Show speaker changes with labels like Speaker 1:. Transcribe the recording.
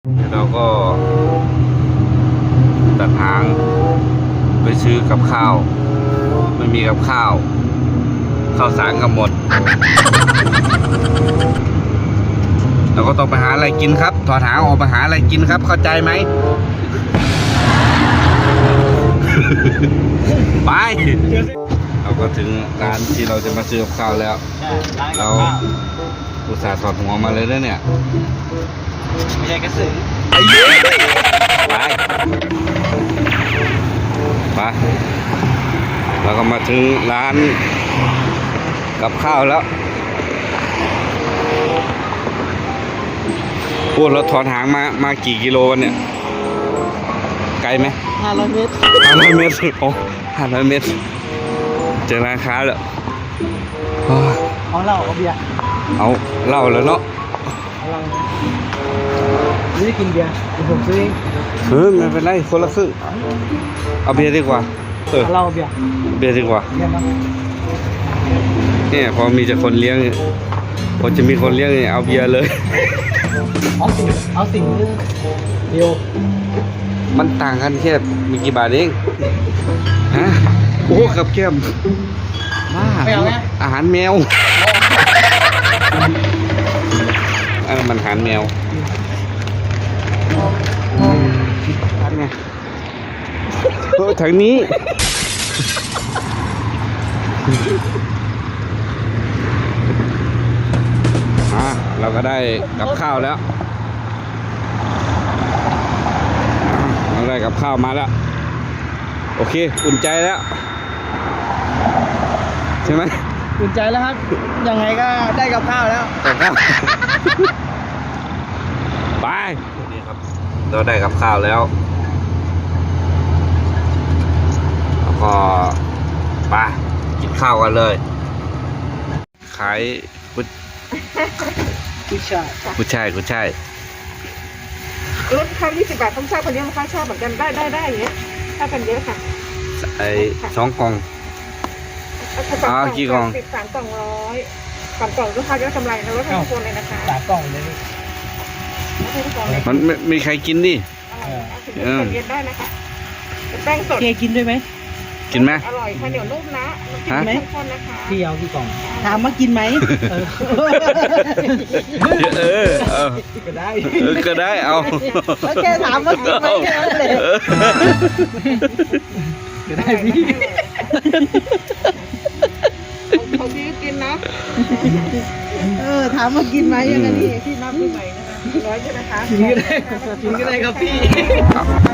Speaker 1: เราก็ตัดหางไปซื้อกับข้าว ไม่มีกับข้าวสารก็หมดเราก็ต้องไปหาอะไรกินครับถอดหางออกไปหาอะไรกินครับเข้าใจไหม ไปเราก็ถึงร้านที่เราจะมาซื้อกับข้าวแล้วเราอุตส่าห์ถอดหัวมาเลยนะเนี่ย
Speaker 2: ไม่ใช่กระสือ
Speaker 1: ไอ้เหี้ยไปเราก็มาถึงร้านกับข้าวแล้วพูดเราถอดหางมากี่กิโลวันเนี่ยไกลไหม
Speaker 2: 500 เมตร
Speaker 1: 500 เมตรโอ้500 เมตรเจอร้านค้าแล้ว
Speaker 2: เอาเหล้าเอาเบียร์
Speaker 1: เอาเหล้าแล้วเนาะ
Speaker 2: เอาเหล้าไม่ได้กินเบียร์เดี๋ยวผมซื้อเอง
Speaker 1: ไม่เป็นไรคนละครึ่งเอาเบียร์ดีกว่า
Speaker 2: เอาเหล้าเบียร์
Speaker 1: ดีกว่าเนี่ยพอมีแต่คนเลี้ยงพอจะมีคนเลี้ยงเนี่ยเอาเบียร์เลย
Speaker 2: เอาสิ่งเดียว
Speaker 1: มันต่างกันแค่มีกี่บาทเองฮะโอ้กับแก้มมาอาหารแมวอันนั้นมันอาหารแมวอันไงทางนี้เราก็ได้กับข้าวแล้วเราได้กับข้าวมาแล้วโอเคอุ่นใจแล้วใช่ไหม
Speaker 2: อุ่นใจแล้วครับยังไงก็ได้กับข้าวแล้ว
Speaker 1: กับข้าวไปนี่ครับเราได้กับข้าวแล้วแล้วก็ไปกินข้าวกันเลยขาย
Speaker 2: ผู้ชาย
Speaker 3: ลดข้าว20 บาทผมชอบคนเยอะข้าวชอบเหมือนกันได้อย่างเงี้ยถ้ากันเยอะค่ะ
Speaker 1: 2 กล่องกี่กล่อง
Speaker 3: 3 กล่อง100 3 กล่องลูกค้าจะกำไรนะลดทุกคนเลยนะคะ
Speaker 2: 3 กล่องเลย
Speaker 1: มันมีใครกินดิ
Speaker 3: เย็นได้นะคะแป้งสด
Speaker 2: กินด้วยไหม
Speaker 1: กินไหม
Speaker 3: อร่อยค่ะเหนียวนุ่มนะ
Speaker 2: กินไหมพี่เอากี่กล่องถามมากินไหม
Speaker 1: ก็ได้เอา
Speaker 2: แล้วแกถามมากินไหมแค่นั้นเลยก็ได้พี่
Speaker 3: เขาพี่กินนะ
Speaker 2: ถามมากินไหมยังไงนี่
Speaker 3: พี่นับดูใหม่นะคะ100ใช่ไหมคะ
Speaker 2: กินก็ได้ครับพี่